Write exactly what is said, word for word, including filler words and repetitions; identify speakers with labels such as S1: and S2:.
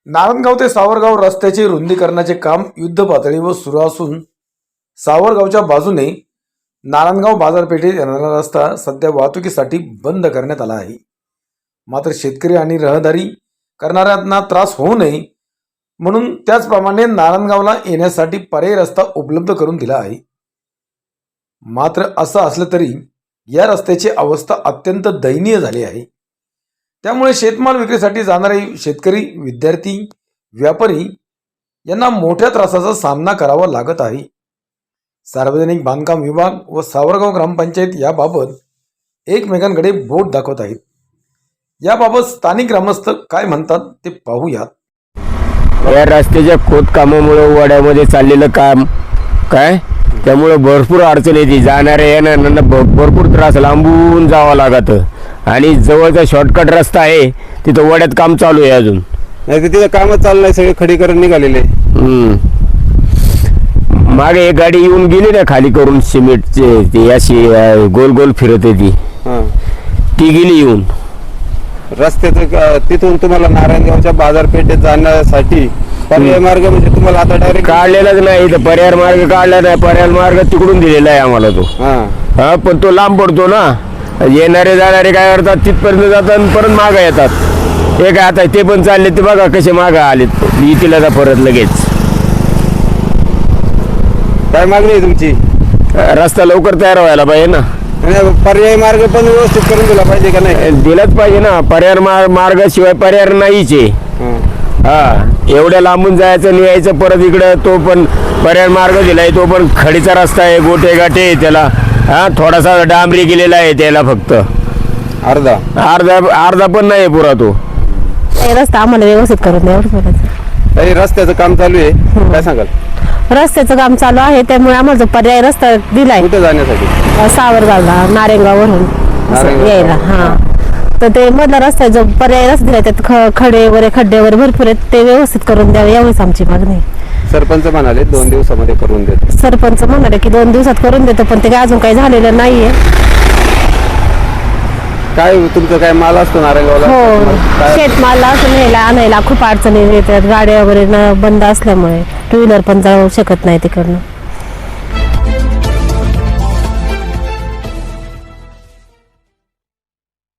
S1: नारायणगाव ते सावरगाव रस्त्याचे रुंदीकरणाचे काम युद्ध पातळीवर सुरू असून सावरगावच्या बाजूने नारायणगाव बाजारपेठेत येणारा रस्ता सध्या वाहतुकीसाठी बंद करण्यात आला आहे। मात्र शेतकरी आणि रहदारी करणाऱ्यांना त्रास होऊ नये म्हणून त्याचप्रमाणे नारायणगावला येण्यासाठी पर्यायी रस्ता उपलब्ध करून दिला आहे। मात्र असं असलं तरी या रस्त्याची अवस्था अत्यंत दयनीय झाली आहे। त्यामुळे शेतमाल विक्रीसाठी जाणारे शेतकरी, विद्यार्थी, व्यापारी यांना मोठ्या त्रासाचा सामना करावा लागत आहे। सार्वजनिक बांधकाम विभाग व सावरगाव ग्रामपंचायत याबाबत एकमेकांकडे बोट दाखवत आहेत। याबाबत स्थानिक ग्रामस्थ काय म्हणतात ते पाहूयात।
S2: या रस्त्याच्या खोदकामामुळे वड्यामध्ये चाललेलं काम काय त्यामुळे भरपूर अडचण येते। जाणाऱ्या येणाऱ्यांना भरपूर त्रास, लांबून जावं लागतं आणि जवळचा शॉर्टकट रस्ता आहे तिथं वड्यात काम चालू आहे अजून।
S3: नाही तिथे कामच चालू नाही, सगळे खडीकरण निघालेले।
S2: मागे एक गाडी येऊन गेली ना खाली करून सिमेंटचे, ती अशी गोल गोल फिरत ती ती गेली येऊन।
S3: रस्त्याचं तिथून तुम्हाला नारायणगावच्या बाजारपेठेत जाण्यासाठी पर्याय मार्ग म्हणजे तुम्हाला आता डायरेक्ट
S2: काढलेलाच नाही, इथं पर्याय मार्ग काढला नाही। पर्याय मार्ग तिकडून दिलेला आहे आम्हाला तो, हा पण तो लांब पडतो ना। येणारे जाणारे काय करतात, तिथपर्यंत जातात आणि परत मागं येतात। हे काय आता ते पण चालले, ते बघा कसे मागं आलेत, येतील आता परत लगेच।
S3: काय मागणी आहे तुमची?
S2: रस्ता लवकर तयार व्हायला पाहिजे ना।
S3: पर्याय मार्ग पण व्यवस्थित करून दिला पाहिजे का नाही?
S2: दिलाच पाहिजे ना, पर्याय मार्ग शिवाय पर्याय नाहीच आहे। हा एवढ्या लांबून जायचं आणि यायचं परत इकडं, तो पण पर्याय मार्ग दिलाय, तो पण खडीचा रस्ता आहे, गोटे गाठे त्याला। हा थोडासा डांबरी गेलेला आहे त्याला, फक्त
S3: अर्धा
S2: अर्धा अर्धा पण नाही पुरा तो
S4: रस्ता आम्हाला व्यवस्थित करून द्या एवढं बोलायचं।
S3: रस्त्याचं काम चालू आहे, काय सांगाल?
S4: रस्त्याचं काम चालू आहे त्यामुळे आम्हाला जो पर्याय रस्ता दिलाय
S3: कुठे जाण्यासाठी?
S4: सावरगावला, नारायणगाववरून यायला। हा तर ते मधला रस्ता जो पर्याय रस्ता दिलाय त्यात खडे वगैरे खड्डे वगैरे भरपूर आहेत, ते व्यवस्थित करून द्यावे एवढीच आमची मागणी आहे।
S3: सरपंच म्हणाले दोन दिवसामध्ये करून देतो।
S4: सरपंच म्हणाले की दोन दिवसात करून देतो, पण ते काय अजून काही झालेलं नाहीये।
S3: काय तुमचं काय माल असतो नारायणगावला?
S4: हो, शेतमाल असं न्यायला आणायला खूप अडचणी येतात, गाड्या वगैरे बंद असल्यामुळे टू व्हीलर पण जाऊ शकत नाही तिकडनं।